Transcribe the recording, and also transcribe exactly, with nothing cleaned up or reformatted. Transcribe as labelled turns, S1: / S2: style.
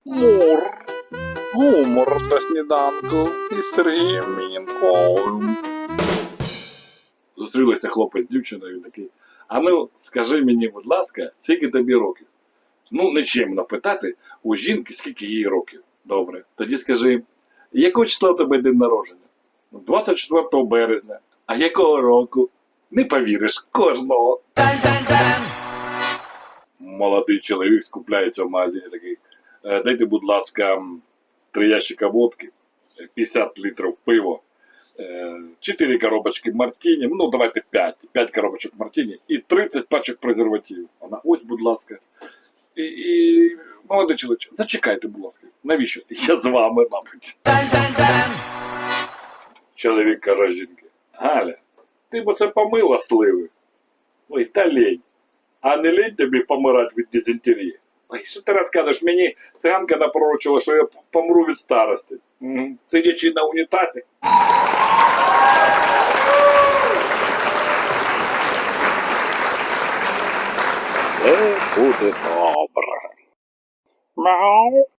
S1: Мур. Гумор на сніданку із Сергієм Мінковим. Зустрілися хлопець з дівчиною, він такий: а ну, скажи мені, будь ласка, скільки тобі років? Ну, нечемно питати у жінки, скільки їй років. Добре. Тоді скажи, якого числа у тебе день народження? двадцять четвертого березня. А якого року? Не повіриш, кожного. Молодий чоловік скупляється в магазині такий: «Е, дайте, будь ласка, три ящика водки, п'ятдесят літрів пива, е, чотири коробочки мартіні, ну давайте п'ять, п'ять коробочок мартіні і тридцять пачок презервативів. Вона: ось, будь ласка. І, і молодий чоловік: зачекайте, будь ласка. Навіщо? Я з вами, мабуть. Чоловік каже жінки: Галя, ти б оце помила сливи. Ой, та лень. А не лень тобі помирати від дизентерії? Ой, що ти розказуєш? Мені циганка напророчила, що я помру від старості. Угу. Сидячи на унітазі. Це буде добре. Мяу.